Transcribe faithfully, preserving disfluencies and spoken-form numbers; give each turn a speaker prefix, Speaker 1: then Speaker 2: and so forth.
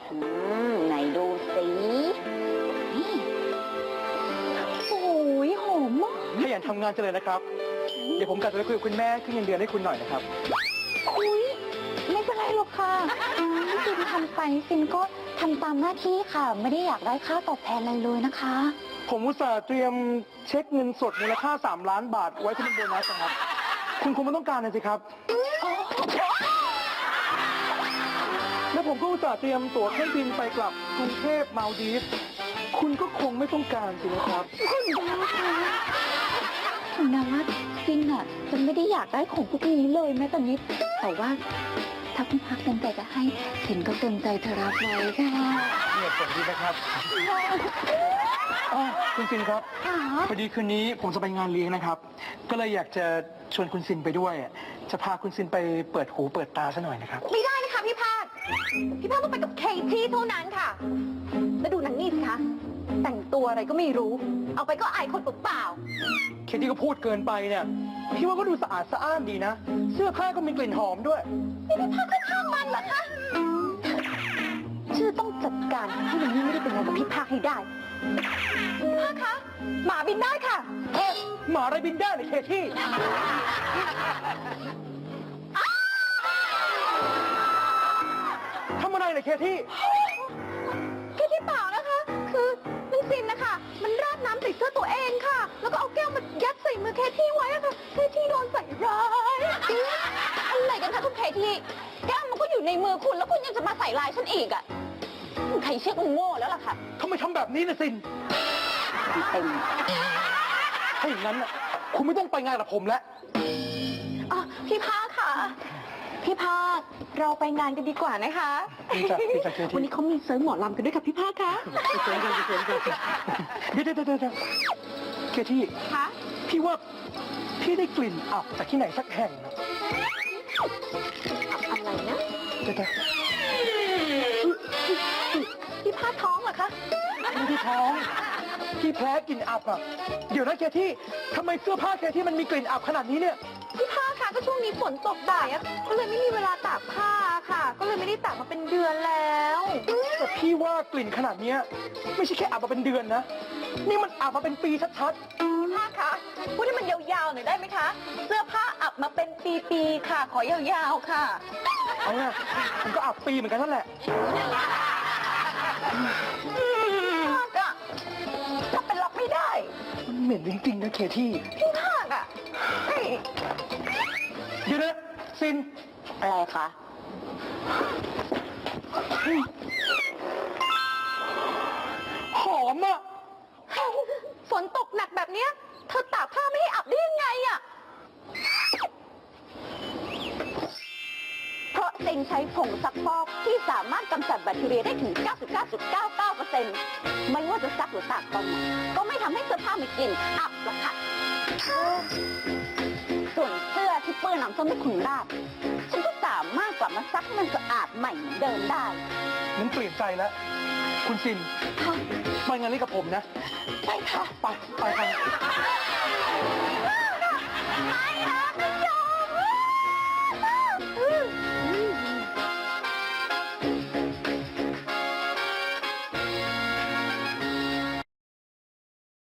Speaker 1: อืมไหนดูสินี่โอ้ยหอมมาก
Speaker 2: ขยันทำงานจังเลยนะครับ เดี๋ยวผมกลับไปคุยกับคุณแม่ขึ้นเงินเดือนให้คุณหน่อยนะครับ
Speaker 1: อุ้ยไม่เป็นไรหรอกค่ะซินทำไปซินก็ทำตามหน้าที่ค่ะ ไม่ได้อยากได้ค่าตอบแทนอะไรเลยนะคะ
Speaker 2: ผมอุตส่าห์เตรียมเช็คเงินสดมูลค่าสามล้านบาทไว้เป็นโบนัสนะครับ คุณคงไม่ต้องการนะสิครับ แล้วผมก็อุตส่าห์เตรียมตั๋วเครื่องบินไปกลับกรุงเทพมาลดีฟส์คุณก็คงไม่ต้องการสินะครับ
Speaker 1: คุณดาวคะคุณดาวว่าซินอ่ะจะไม่ได้อยากได้ของพวกนี้เลยแม้แต่นิด แต่ว่าถ้าพี่พักเต็มใจจะให้ซินก็เต็มใจจะรับไว้ค่ะ
Speaker 2: เนี่ยผลดีนะครับอ๋อคุณซินครับ
Speaker 1: ค่ะ
Speaker 2: พอดีคืนนี้ผมจะไปงานเลี้ยงนะครับ ก็เลยอยากจะชวนคุณซินไปด้วย จะพาคุณซินไปเปิดหูเปิดตาซะหน่อยนะครับ
Speaker 3: ไม่ได้นะคะพี่พาดพี่พาดต้องไปกับเคที่เท่านั้นค่ะ แล้วดูนางนี่สิคะ แต่งตัวอะไรก็ไม่รู้ เอาไปก็อายคนเปล่า
Speaker 2: เคที่ก็พูดเกินไปเนี่ย พี่ว่าก็ดูสะอาดสะอ้านดีนะ เสื้อผ้าก็มีกลิ่นหอมด้วย
Speaker 3: ๆนี่พี่พาดก็ช่างมันเหรอคะชื่อต้องจัดการให้นางนี่ไม่ได้เป็นอะไรกับพี่พาดให้ได้พี่พาดคะหมาบินได้ค่ะ
Speaker 2: เฮ้ยหมาอะไรบินได้เลยเคที่ทำอะไรเลยเคที่
Speaker 3: แค่ที่เปล่านะคะ คือมันซินนะคะ มันราดน้ำใส่เสื้อตัวเองค่ะ แล้วก็เอาแก้วมายัดใส่มือเคที่ไว้อะค่ะเคที่โดนใส่ร้ายอะไรกันคะคุณเคที่แก้วมันก็อยู่ในมือคุณแล้วคุณยังจะมาใส่ลายฉันอีกอะใครเชื่อคุณโง่แล้วล่ะค่ะ
Speaker 2: ทำไมทำแบบนี้นะซิน
Speaker 1: เต็ม
Speaker 2: ถ้าอย่างนั้นน่ะคุณไม่ต้องไปงานกับผมแล้ว
Speaker 3: อ๋อพี่ภาคค่ะ พี่ภาคเราไปงานกันดีกว่านะคะ
Speaker 2: ดีจ้ะดีจ้ะเคที่
Speaker 3: วันนี้เขามีเซิร์ฟหมอลำกันด้วยค่ะพี่ภาคคะ
Speaker 2: ไปเจอกันไปเจอกันเดี๋ยวเดี๋ยวเดี๋ยวเดี๋ยวเคที่
Speaker 3: คะ
Speaker 2: พี่ว่าพี่ได้กลิ่นอับจากที่ไหนสักแห่งนะ
Speaker 3: อะไรนะ
Speaker 2: เดี๋ยวเดี๋ยว
Speaker 3: พี่ภาคท้องเหรอคะ
Speaker 2: ไม่ได้ท้องพี่แพ้กลิ่นอับอ่ะเดี๋ยวนะเคที่ทำไมเสื้อผ้าเคที่มันมีกลิ่นอับขนาดนี้เนี่ย
Speaker 3: พี่ภาคค่ะก็ช่วงนี้ฝนตกบ่ายอะก็เลยไม่มีเวลาตากผ้าค่ะ ก็เลยไม่ได้ตากมาเป็นเดือนแล้ว
Speaker 2: แต่พี่ว่ากลิ่นขนาดเนี้ยไม่ใช่แค่อับมาเป็นเดือนนะ นี่มันอับมาเป็นปีชัด
Speaker 3: พี่ภาคคะพูดให้มันยาวๆหน่อยได้ไหมคะ เสื้อผ้าอับมาเป็นปีๆค่ะ ขอยาวๆค่ะ
Speaker 2: ๆเอาเนี่ยมันก็อับปีเหมือนกันนั่นแหละ
Speaker 3: พี่ภาคอะถ้าเป็นรับไม่ได้
Speaker 2: มันเหม็นจริงๆนะเคที่
Speaker 3: พี่ภาคอะเฮ้ย
Speaker 2: เดี๋ยวนะซิน
Speaker 1: อะไรคะ
Speaker 2: หอมอ่ะ
Speaker 3: ฝนตกหนักแบบเนี้ยเธอตากผ้าไม่ให้อับได้ยังไงอะเพราะเซ็งใช้ผงซักฟอกที่สามารถกำจัดแบคทีเรียได้ถึง เก้าสิบเก้าจุดเก้าเก้าเปอร์เซ็นต์ ไม่ว่าจะซักหรือตากตอนไหนก็ไม่ทำให้เสื้อผ้ามีกลิ่นอับหรอกค่ะ ส่วนเสื้อที่เปื้อนน้ำส้มให้คุณราดฉันก็สามารถกลับมาซักให้มันสะอาดใหม่เหมือนเดิมได้
Speaker 2: งั้นเปลี่ยนใจแล้ว คุณซินไปงานนี้กับผมนะ
Speaker 3: ใช่ค่ะ
Speaker 2: ไป ไปกัน